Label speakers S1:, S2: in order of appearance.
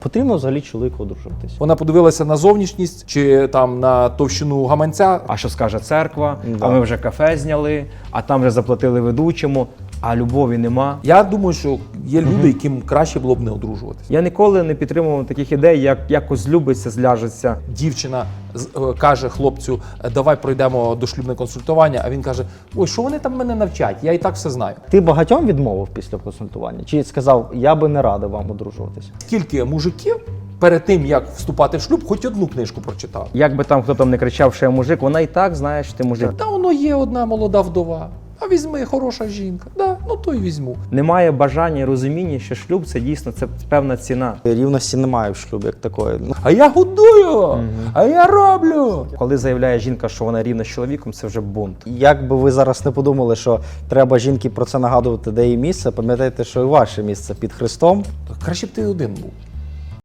S1: Потрібно взагалі чоловіку одружуватись.
S2: Вона подивилася на зовнішність чи там на товщину гаманця.
S3: А що скаже церква?
S1: Да.
S3: А ми вже кафе зняли, а там вже заплатили ведучому, а любові нема.
S2: Я думаю, що є люди, яким краще було б не одружуватися.
S3: Я ніколи не підтримував таких ідей, як якось злюбиться, зляжеться.
S2: Дівчина каже хлопцю, давай пройдемо дошлюбне консультування, а він каже, ой, що вони там мене навчать, я і так все знаю.
S1: Ти багатьом відмовив після консультування? Чи сказав, я би не радив вам одружуватись?
S2: Скільки мужиків перед тим, як вступати в шлюб, хоч одну книжку прочитав?
S3: Як би там хто там не кричав, що я мужик, вона і так знає, що ти мужик.
S2: Та воно є одна молода вдова, а візьми, хороша жінка. Да, ну то й візьму.
S3: Немає бажання і розуміння, що шлюб це дійсно це певна ціна.
S1: Рівності немає в шлюбі як такої.
S2: А я годую, а я роблю.
S3: Коли заявляє жінка, що вона рівна з чоловіком, це вже бунт.
S1: Як би ви зараз не подумали, що треба жінки про це нагадувати, де її місце, пам'ятайте, що і ваше місце під Христом.
S2: Краще б ти один був.